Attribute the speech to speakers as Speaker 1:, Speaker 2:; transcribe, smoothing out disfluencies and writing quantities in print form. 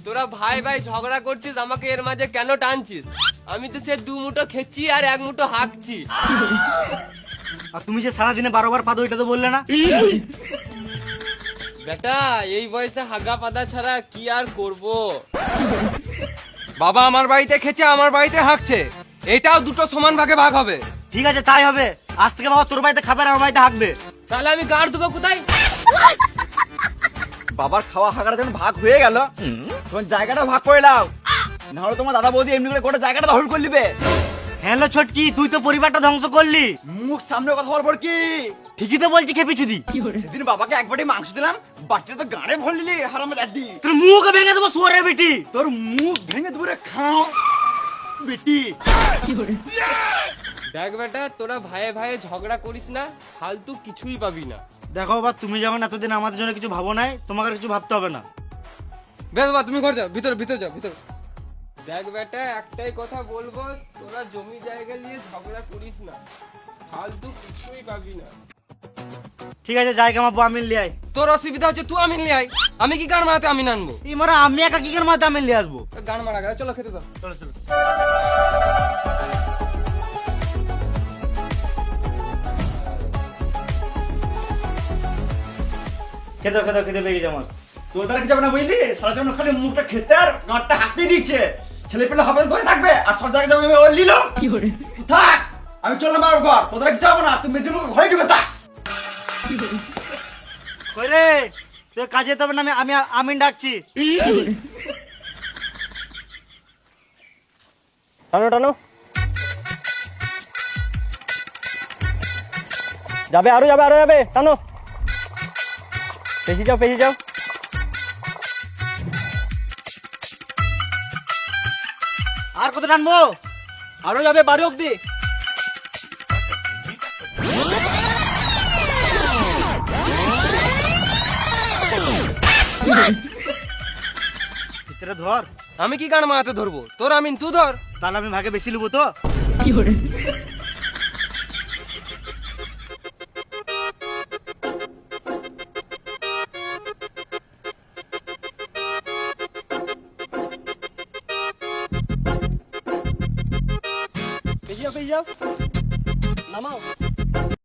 Speaker 1: তোরা ভাই ভাই ঝগড়া করছিস, আমাকে এর মাঝে কেন টানছিস? আমি তো সে 2 মুঠো খেচ্ছি আর 1 মুঠো হাঁকছি।
Speaker 2: আর তুমি যে সারাদিনে 12 বার পাদো এটা তো বললে না?
Speaker 1: বেটা এই বয়সে হাগা পাদা ছাড়া কি আর করব?
Speaker 3: বাবা আমার বাড়িতে খেছে, আমার বাড়িতে হাঁকছে, এটাও দুটো সমান ভাগে ভাগ হবে।
Speaker 2: ঠিক আছে তাই হবে। আজ থেকে বাবা তোর বাড়িতে খাবে আর আমার বাড়িতে হাঁকবে।
Speaker 1: তাহলে আমি গাড় দেবো কোথায়?
Speaker 4: বাবার খাওয়া হাগাটা যখন ভাগ হয়ে গেল তখন জায়গাটা ভাগ করে নাও, নাহলে তোমার দাদা বৌদি এমনি করে গোটা জায়গাটা দখল করে নিবে।
Speaker 2: হ্যালো ছোটকি, তুই তো পরিবারটা ধ্বংস করলি।
Speaker 4: মুখ সামনে কথা বলবো কি?
Speaker 2: ঠিকই তো বলছি খেপি চুদি।
Speaker 4: সেদিন বাবাকে এক বাটি মাংস দিলাম, বাটিটা তো গাড়ে ভর নিলি হারামে জাতি।
Speaker 2: তোর মুখ ভেঙে দেবো শুয়োরের বেটি।
Speaker 4: তোর মুখ ভেঙে দূরে খাও বেটি।
Speaker 1: দেখ বেটা, তোরা ভাইয়ে ভাইয়ে ঝগড়া করিস না, ফালতু কিছুই পাবি না।
Speaker 2: দেখো বাবা, তুমি যখন এতদিন আমাদের জন্য কিছু ভাবো নাই, তোমাকে আর কিছু ভাবতে হবে না।
Speaker 3: বেশ বাবা তুমি ঘর যাও, ভিতরে ভিতরে যাও ভিতরে।
Speaker 1: দেখ বেটা, একটাই কথা বলবো, তোরা জমি জায়গা নিয়ে ঝগড়া করিস না, ফালতু কিছুই পাবি না।
Speaker 2: ঠিক আছে যাই কামাবো, আমি লিয়ে আই।
Speaker 3: তোর অসুবিধা হচ্ছে তুই আমিন নিয়ে আয়, আমি কি গান মারাতে আমি আনবো?
Speaker 2: এই মারা আমি একা কি করে মাথা আমি লিয়ে আসবো?
Speaker 3: গান মারা গেল, চলো খেতে দাও।
Speaker 2: চলো চলো। খেতে খেতে খেতে পেয়ে গেছে আমার।
Speaker 4: তোর দ্বারা কি যাবে না বুঝলি? সারা জীবন খালি মুখটা খেতে আর গাঁটটা হাতে দিচ্ছে। ছেলে পেলে হবে করে থাকবে আর সব জায়গায় যাবে ওই লিলো তুই থাক। আমি চললাম বাবার ঘর, তোদের কি যাবো না, তুমি মেদিনীপুর ঘরে ঢুকে থাক।
Speaker 2: কই রে, তুই কাজে যেতে হবে না? আমি আমিন ডাকছি।
Speaker 3: টানো টানো, যাবে আরো যাবে আরো যাবে, টানো, পেছি যাও পেছি যাও।
Speaker 2: আর কত টানবো?
Speaker 3: আরো যাবে 12 অব্দি।
Speaker 2: ভিতরে ধর।
Speaker 3: আমি কি গান মারাতে ধরবো? তোর আমিন তুই ধর।
Speaker 2: তাহলে আমি ভাগে বেশি নেবো তো?
Speaker 3: পেছি যাও পেছি যাও, নামাও।